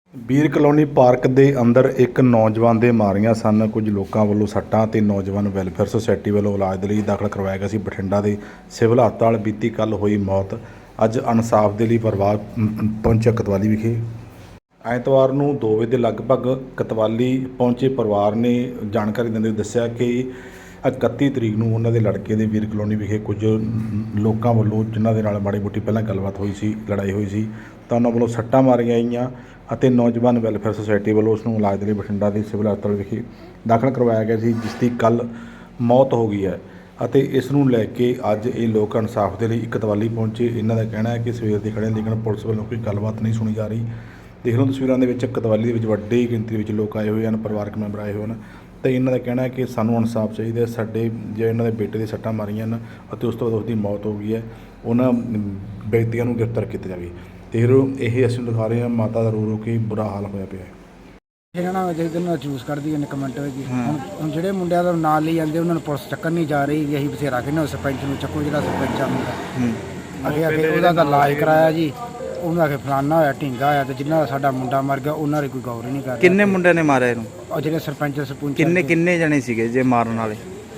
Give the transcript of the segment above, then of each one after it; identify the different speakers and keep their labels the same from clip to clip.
Speaker 1: ਬੀਰ colony park ਦੇ ਅੰਦਰ ਇੱਕ ਨੌਜਵਾਨ ਦੇ ਮਾਰੀਆਂ ਸਨ ਕੁਝ ਲੋਕਾਂ ਵੱਲੋਂ ਸੱਟਾਂ ਤੇ ਨੌਜਵਾਨ ਵੈਲਫੇਅਰ ਸੁਸਾਇਟੀ ਵੱਲੋਂ ਇਲਾਜ ਦੇ ਲਈ ਦਾਖਲ ਕਰਵਾਇਆ ਗਿਆ ਸੀ ਬਠਿੰਡਾ ਦੇ ਸਿਵਲ ਹਸਪਤਾਲ। ਬੀਤੀ ਕੱਲ੍ਹ ਹੋਈ ਮੌਤ ਅੱਜ ਇਨਸਾਫ ਦੇ ਲਈ ਪਰਿਵਾਰ ਪਹੁੰਚਿਆ ਕਤਵਾਲੀ ਵਿਖੇ। ਐਤਵਾਰ ਨੂੰ 2 ਵਜੇ ਦੇ ਲਗਭਗ ਕਤਵਾਲੀ ਪਹੁੰਚੇ ਪਰਿਵਾਰ ਨੇ ਜਾਣਕਾਰੀ ਦਿੰਦੇ ਦੱਸਿਆ ਕਿ 31 ਤਰੀਕ ਨੂੰ ਉਹਨਾਂ ਦੇ ਲੜਕੇ ਦੇ ਬੀਰ ਕਲੋਨੀ ਵਿਖੇ ਕੁਝ ਲੋਕਾਂ ਵੱਲੋਂ ਜਿਨ੍ਹਾਂ ਦੇ ਨਾਲ ਮਾੜੀ ਮੋਟੀ ਪਹਿਲਾਂ ਗੱਲਬਾਤ ਹੋਈ ਸੀ, ਲੜਾਈ ਹੋਈ ਸੀ, ਤਾਂ ਉਹਨਾਂ ਵੱਲੋਂ ਸੱਟਾਂ ਮਾਰੀਆਂ ਗਈਆਂ ਅਤੇ ਨੌਜਵਾਨ ਵੈਲਫੇਅਰ ਸੁਸਾਇਟੀ ਵੱਲੋਂ ਉਸ ਨੂੰ ਇਲਾਜ ਦੇ ਲਈ ਬਠਿੰਡਾ ਦੇ ਸਿਵਲ ਹਸਪਤਾਲ ਵਿਖੇ ਦਾਖਲ ਕਰਵਾਇਆ ਗਿਆ ਸੀ, ਜਿਸ ਦੀ ਕੱਲ੍ਹ ਮੌਤ ਹੋ ਗਈ ਹੈ। ਅਤੇ ਇਸ ਨੂੰ ਲੈ ਕੇ ਅੱਜ ਇਹ ਲੋਕ ਇਨਸਾਫ ਦੇ ਲਈ ਕਤਵਾਲੀ ਪਹੁੰਚੇ। ਇਹਨਾਂ ਦਾ ਕਹਿਣਾ ਹੈ ਕਿ ਸਵੇਰ ਦੇ ਖੜ੍ਹੇ ਲੇਕਿਨ ਪੁਲਿਸ ਵੱਲੋਂ ਕੋਈ ਗੱਲਬਾਤ ਨਹੀਂ ਸੁਣੀ ਜਾ ਰਹੀ। ਦੇਖ ਲਓ ਤਸਵੀਰਾਂ ਦੇ ਵਿੱਚ ਕਤਵਾਲੀ ਦੇ ਵਿੱਚ ਵੱਡੀ ਗਿਣਤੀ ਵਿੱਚ ਲੋਕ ਆਏ ਹੋਏ ਹਨ, ਪਰਿਵਾਰਕ ਮੈਂਬਰ ਆਏ ਹੋਏ ਹਨ ਅਤੇ ਇਹਨਾਂ ਦਾ ਕਹਿਣਾ ਹੈ ਕਿ ਸਾਨੂੰ ਇਨਸਾਫ ਚਾਹੀਦਾ। ਸਾਡੇ ਜੇ ਇਹਨਾਂ ਦੇ ਬੇਟੇ ਦੇ ਸੱਟਾਂ ਮਾਰੀਆਂ ਹਨ ਅਤੇ ਉਸ ਤੋਂ ਬਾਅਦ ਉਸਦੀ ਮੌਤ ਹੋ ਗਈ ਹੈ, ਉਹਨਾਂ ਵਿਅਕਤੀਆਂ ਨੂੰ ਗ੍ਰਿਫਤਾਰ ਕੀਤਾ ਜਾਵੇ। ਅਤੇ ਇਹ ਅਸੀਂ ਦਿਖਾ ਰਹੇ ਹਾਂ ਮਾਤਾ ਦਾ ਰੋ ਕੇ ਬੁਰਾ ਹਾਲ ਹੋਇਆ ਪਿਆ ਹੈ।
Speaker 2: ਇਹਨਾਂ ਨਾਲ ਜਿਹਦੇ ਨਾਲ ਚੂਸ ਕੱਢਦੀ ਹੈ ਕਮੈਂਟ ਵਿੱਚ ਹੁਣ ਜਿਹੜੇ ਮੁੰਡਿਆਂ ਦਾ ਨਾਂ ਲਈ ਜਾਂਦੇ ਉਹਨਾਂ ਨੂੰ ਪੁਲਿਸ ਚੱਕਣ ਨਹੀਂ ਜਾ ਰਹੀ। ਅਸੀਂ ਬਥੇਰਾ ਕਹਿੰਦੇ ਸਰਪੰਚ ਨੂੰ ਚੱਕੋ, ਜਿਹੜਾ ਸਰਪੰਚ ਆ ਮੁੰਡਾ ਅੱਗੇ ਉਹਦਾ ਤਾਂ ਇਲਾਜ ਕਰਾਇਆ ਜੀ, ਉਹਨਾਂ ਆਖੇ ਫਲਾਨਾ ਹੋਇਆ, ਢੀਂਗਾ ਹੋਇਆ, ਤੇ ਜਿਨ੍ਹਾਂ ਦਾ ਸਾਡਾ ਮੁੰਡਾ ਮਰ ਗਿਆ ਉਹਨਾਂ ਦੀ ਕੋਈ ਗੌਰ ਹੀ ਨਹੀਂ ਕਰਦਾ।
Speaker 3: ਕਿੰਨੇ ਮੁੰਡਿਆਂ ਨੇ ਮਾਰਿਆ ਇਹਨੂੰ? ਉਹ
Speaker 2: ਜਿਹੜੇ ਸਰਪੰਚ ਸਰਪੰਚ
Speaker 3: ਕਿੰਨੇ ਜਣੇ ਸੀਗੇ ਜੇ ਮਾਰਨ ਵਾਲੇ?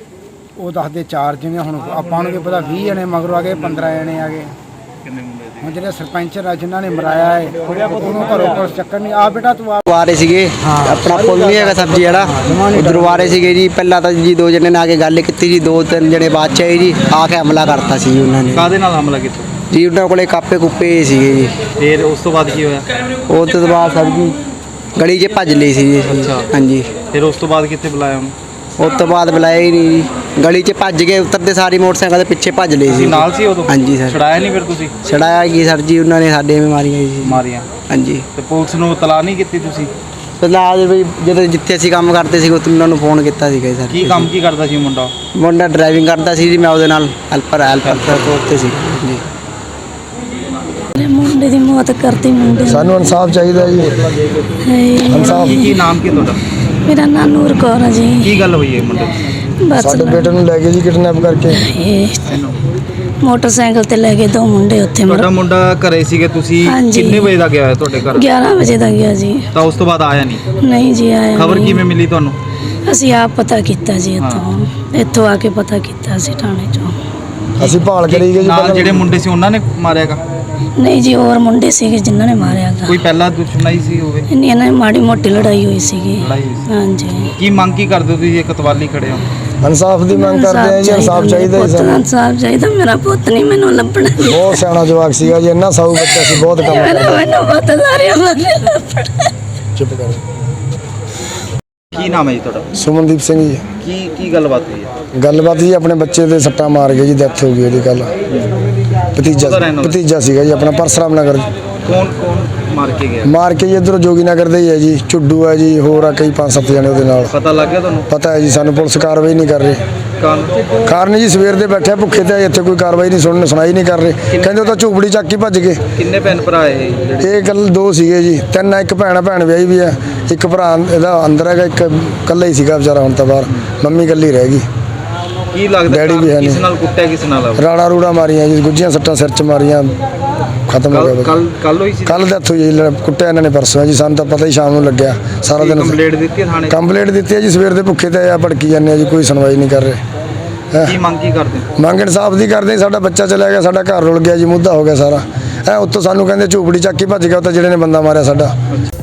Speaker 2: ਉਹ ਦੱਸਦੇ 4 ਜਣੇ, ਹੁਣ ਆਪਾਂ ਨੂੰ ਕੀ ਪਤਾ 20 ਜਣੇ ਮਗਰੋਂ ਆ ਗਏ, 15 ਜਣੇ ਆ ਗਏ।
Speaker 3: ਕਿੰਨੇ ਮੁੰਡੇ ਸੀ?
Speaker 2: ਹੁਣ ਜਿਹੜੇ ਸਰਪੰਚ ਆ ਜਿਨ੍ਹਾਂ ਨੇ ਮਰਾਇਆ ਹੈ ਉਹਨੂੰ ਘਰੋਂ ਪੁਲਿਸ ਚੱਕਰ ਨਹੀਂ ਆ। ਬੇਟਾ ਤੂੰ
Speaker 4: ਆ ਰਹੇ ਸੀਗੇ, ਆਪਣਾ ਪੁੱਲ ਨਹੀਂ ਹੈਗਾ ਸਬਜ਼ੀ ਵਾਲਾ, ਉਧਰੋਂ ਆ ਰਹੇ ਸੀਗੇ ਜੀ। ਪਹਿਲਾਂ ਤਾਂ ਜੀ 2 ਜਣੇ ਨੇ ਆ ਕੇ ਗੱਲ ਕੀਤੀ ਜੀ, 2-3 ਜਣੇ ਬਾਅਦ 'ਚ ਆਏ ਜੀ, ਆ ਕੇ ਹਮਲਾ ਕਰਤਾ ਸੀ ਉਹਨਾਂ ਨੇ।
Speaker 3: ਕਾਹਦੇ ਨਾਲ ਹਮਲਾ ਕੀਤਾ
Speaker 4: ਜੀ? ਉਹਨਾਂ ਕੋਲੇ ਕਾਪੇ ਕੁੱਪੇ ਸੀਗੇ ਜੀ।
Speaker 3: ਫਿਰ ਉਸ ਤੋਂ ਬਾਅਦ ਕੀ ਹੋਇਆ?
Speaker 4: ਉਹ ਤੋਂ ਬਾਅਦ ਸਰ ਜੀ ਗਲੀ 'ਚ ਭੱਜ ਲਈ ਸੀ ਜੀ। ਹਾਂਜੀ।
Speaker 3: ਫਿਰ ਉਸ ਤੋਂ ਬਾਅਦ ਕਿੱਥੇ ਬੁਲਾਇਆ ਉਹਨੂੰ?
Speaker 4: ਉਸ ਤੋਂ ਬਾਅਦ ਬੁਲਾਇਆ ਹੀ ਨਹੀਂ ਜੀ, ਗਲੀ 'ਚ ਭੱਜ ਗਏ, ਉਤਰਦੇ ਸਾਰੀ ਮੋਟਰਸਾਈਕਲ ਦੇ ਪਿੱਛੇ ਭੱਜ ਲਈ ਸੀ।
Speaker 3: ਨਾਲ ਸੀ ਉਦੋਂ?
Speaker 4: ਹਾਂਜੀ ਸਰ।
Speaker 3: ਛੜਾਇਆ ਨਹੀਂ ਫਿਰ ਤੁਸੀਂ?
Speaker 4: ਛੜਾਇਆ ਕੀ ਸਰ ਜੀ, ਉਹਨਾਂ ਨੇ ਸਾਡੇ ਐਵੇਂ ਮਾਰੀਆਂ ਜੀ।
Speaker 3: ਮਾਰੀਆਂ?
Speaker 4: ਹਾਂਜੀ।
Speaker 3: ਤੇ ਪੁਲਿਸ ਨੂੰ ਇਤਲਾਹ ਨਹੀਂ ਕੀਤੀ ਤੁਸੀਂ?
Speaker 4: ਫਿਲਹਾਲ ਵੀ ਜਦੋਂ ਜਿੱਥੇ ਅਸੀਂ ਕੰਮ ਕਰਦੇ ਸੀ ਉੱਥੇ ਉਹਨਾਂ ਨੂੰ ਫੋਨ ਕੀਤਾ ਸੀਗਾ ਸਰ।
Speaker 3: ਕੀ ਕੰਮ ਕੀ ਕਰਦਾ ਸੀ ਮੁੰਡਾ?
Speaker 4: ਮੁੰਡਾ ਡਰਾਈਵਿੰਗ ਕਰਦਾ ਸੀ ਜੀ, ਮੈਂ ਉਹਦੇ ਨਾਲ ਹੈਲਪਰ ਉੱਤੇ ਸੀ ਜੀ।
Speaker 5: ਮੁੰਡੇ ਦੀ ਮੌਤ ਕਰਤੀ ਮੁੰਡੇ
Speaker 2: ਸਾਨੂੰ ਇਨਸਾਫ ਚਾਹੀਦਾ ਜੀ। ਇਨਸਾਫ।
Speaker 3: ਕੀ ਨਾਮ ਕੀ ਤੁਹਾਡਾ?
Speaker 5: ਮੇਰਾ ਨਾਂ ਨੂਰ ਕੌਰ ਹੈ ਜੀ।
Speaker 3: ਕੀ ਗੱਲ ਹੋਈ ਹੈ ਮੁੰਡੇ ਦੀ?
Speaker 5: ਬਸ
Speaker 2: ਸਾਡੇ ਬੇਟੇ ਨੂੰ ਲੈ ਗਏ ਜੀ ਕਿਡਨੈਪ ਕਰਕੇ।
Speaker 5: ਮੋਟਰਸਾਈਕਲ ਤੇ ਲੈ ਕੇ 2 ਮੁੰਡੇ ਉੱਥੇ
Speaker 3: ਤੁਹਾਡਾ ਮੁੰਡਾ ਘਰੇ ਸੀਗੇ ਤੁਸੀਂ?
Speaker 5: ਹਾਂਜੀ।
Speaker 3: ਕਿੰਨੇ ਵਜੇ ਦਾ ਗਿਆ ਹੈ ਤੁਹਾਡੇ ਘਰ?
Speaker 5: 11 ਵਜੇ ਦਾ ਗਿਆ ਜੀ।
Speaker 3: ਤਾਂ ਉਸ ਤੋਂ ਬਾਅਦ ਆਇਆ ਨਹੀਂ?
Speaker 5: ਨਹੀਂ ਜੀ ਆਇਆ
Speaker 3: ਖਬਰ
Speaker 5: ਨਹੀਂ।
Speaker 3: ਕਿਵੇਂ ਮਿਲੀ ਤੁਹਾਨੂੰ?
Speaker 5: ਅਸੀਂ ਆਪ ਪਤਾ ਕੀਤਾ ਜੀ, ਇੱਥੋਂ ਆ ਕੇ ਪਤਾ ਕੀਤਾ ਸੀ ਥਾਣੇ ਚੋਂ।
Speaker 2: ਅਸੀਂ ਭਾਲ ਕਰੀ ਗਏ ਜੀ।
Speaker 3: ਨਾਲ ਜਿਹੜੇ ਮੁੰਡੇ ਸੀ ਉਹਨਾਂ ਨੇ ਮਾਰਿਆਗਾ?
Speaker 5: ਨਹੀਂ ਜੀ, ਹੋਰ ਮੁੰਡੇ ਸੀਗੇ ਜਿਨ੍ਹਾਂ ਨੇ ਮਾਰਿਆ ਗਾ।
Speaker 3: ਕੋਈ ਪਹਿਲਾਂ ਦੁਸ਼ਮਣੀ ਸੀ ਹੋਵੇ?
Speaker 5: ਇਹਨਾਂ ਨੇ ਮਾੜੀ ਮੋਟੀ ਲੜਾਈ ਹੋਈ ਸੀਗੀ।
Speaker 3: ਲੜਾਈ ਹੋਈ ਸੀ।
Speaker 5: ਹਾਂਜੀ।
Speaker 3: ਕੀ ਮੰਗ ਕੀ ਕਰਦੇ ਹੋ ਤੁਸੀਂ ਇਹ ਕਤਵਾਲੀ ਖੜੇ ਹੋ?
Speaker 2: ਇਨਸਾਫ ਦੀ ਮੰਗ ਕਰਦੇ ਆ ਜੀ। ਇਨਸਾਫ ਚਾਹੀਦਾ ਜੀ ਸਾਨੂੰ।
Speaker 5: ਇਨਸਾਫ ਚਾਹੀਦਾ। ਮੇਰਾ ਪੁੱਤ ਨਹੀਂ ਮੈਨੂੰ ਲੱਭਣਾ ਜੀ।
Speaker 2: ਬਹੁਤ ਸਿਆਣਾ ਜਵਾਕ ਸੀਗਾ ਜੀ, ਇੰਨਾ ਸਾਊ ਬੱਚਾ ਸੀ, ਬਹੁਤ ਕੰਮ ਕਰਦਾ।
Speaker 5: ਮੈਨੂੰ ਪੁੱਤ ਸਾਰਿਆਂ ਬਾਰੇ ਲੱਭਣਾ।
Speaker 2: ਚੁੱਪ ਕਰ।
Speaker 3: ਕੀ ਨਾਮ ਹੈ ਜੀ ਤੁਹਾਡਾ?
Speaker 2: ਸੁਮਨਦੀਪ ਸਿੰਘ ਜੀ।
Speaker 3: ਕੀ ਗੱਲਬਾਤ ਹੋਈ ਹੈ?
Speaker 2: ਗੱਲਬਾਤ ਜੀ ਆਪਣੇ ਬੱਚੇ ਦੇ ਸੱਟਾਂ ਮਾਰ ਗਏ ਜੀ, ਡੈਥ ਹੋ ਗਈ ਉਹਦੀ। ਕੱਲ ਭਤੀਜਾ ਸੀਗਾ ਜੀ ਆਪਣਾ, ਪਰਸਰਾਮ ਨਗਰ।
Speaker 3: ਕੌਣ ਮਾਰ ਕੇ ਗਿਆ?
Speaker 2: ਮਾਰ ਕੇ ਜੀ ਇੱਧਰੋਂ ਜੋਗੀ ਨਗਰ ਦੇ ਹੀ ਹੈ ਜੀ, ਝੁੱਡੂ ਹੈ ਜੀ, ਹੋਰ ਆ ਕਈ 5-7 ਜਣੇ ਉਹਦੇ ਨਾਲ।
Speaker 3: ਪਤਾ ਲੱਗ ਗਿਆ ਤੁਹਾਨੂੰ?
Speaker 2: ਪਤਾ ਹੈ ਜੀ ਸਾਨੂੰ, ਪੁਲਿਸ ਕਾਰਵਾਈ ਨਹੀਂ ਕਰ ਰਹੀ। ਕਾਰਨ ਜੀ ਸਵੇਰ ਦੇ ਬੈਠੇ ਭੁੱਖੇ ਤੇ ਇੱਥੇ ਕੋਈ ਕਾਰਵਾਈ ਨਹੀਂ ਸੁਣਾਈ ਨਹੀਂ ਕਰ ਰਹੇ। ਕਹਿੰਦੇ ਉਹ ਤਾਂ ਝੂਪੜੀ ਚੱਕ ਕੇ ਭੱਜ ਗਏ।
Speaker 3: ਕਿੰਨੇ ਭੈਣ ਭਰਾ ਇਹ?
Speaker 2: ਇਹ ਗੱਲ 2 ਸੀਗੇ ਜੀ, 3 ਇੱਕ ਭੈਣ ਵਿਆਹੀ ਵੀ ਹੈ, ਇੱਕ ਭਰਾ ਇਹਦਾ ਅੰਦਰ ਹੈਗਾ, ਇੱਕ ਇਕੱਲਾ ਹੀ ਸੀਗਾ ਵਿਚਾਰਾ, ਹੁਣ ਤਾਂ ਬਾਹਰ। ਮੰਮੀ ਇਕੱਲੀ ਰਹਿ ਗਈ।
Speaker 3: ਕੀ ਲੱਗਦਾ
Speaker 2: ਡੈਡੀ ਵੀ ਹੈ ਨਹੀਂ।
Speaker 3: ਕਿਸ ਨਾਲ ਕੁੱਟਿਆ, ਕਿਸ ਨਾਲ?
Speaker 2: ਰਾੜਾ ਰੂੜਾ ਮਾਰੀਆਂ ਜੀ, ਗੁੱਜੀਆਂ ਸੱਟਾਂ ਸਿਰ 'ਚ ਮਾਰੀਆਂ, ਖਤਮ ਹੋ ਗਿਆ।
Speaker 3: ਕੱਲ ਹੋਈ ਸੀ?
Speaker 2: ਕੱਲ ਡੈਥ ਹੋਈ ਜੀ, ਕੁੱਟਿਆ ਇਹਨਾਂ ਨੇ ਪਰਸੋਂ ਜੀ। ਸਾਨੂੰ ਤਾਂ ਪਤਾ ਹੀ ਸ਼ਾਮ ਨੂੰ ਲੱਗਿਆ, ਸਾਰਾ ਦਿਨ
Speaker 3: ਕੰਪਲੇਂਟ ਦਿੱਤੀ ਥਾਣੇ?
Speaker 2: ਕੰਪਲੇਂਟ ਦਿੱਤੀ ਹੈ ਜੀ, ਸਵੇਰ ਦੇ ਭੁੱਖੇ ਤੇ ਆ ਭੜਕੀ ਜਾਂਦੇ ਆ ਜੀ, ਕੋਈ ਸੁਣਵਾਈ ਨਹੀਂ ਕਰ ਰਹੇ।
Speaker 3: ਕੀ ਮੰਗ ਕੀ ਕਰਦੇ?
Speaker 2: ਮੰਗ ਇਨਸਾਫ ਦੀ ਕਰਦੇ। ਸਾਡਾ ਬੱਚਾ ਚਲਾ ਗਿਆ, ਸਾਡਾ ਘਰ ਰੁਲ ਗਿਆ ਜੀ, ਮੁੱਦਾ ਹੋ ਗਿਆ ਸਾਰਾ। ਉੱਤੋਂ ਸਾਨੂੰ ਕਹਿੰਦੇ ਝੂਪੜੀ ਚੱਕ ਕੇ ਭੱਜ ਗਿਆ ਉਹ ਤਾਂ ਜਿਹੜੇ ਨੇ ਬੰਦਾ ਮਾਰਿਆ ਸਾਡਾ।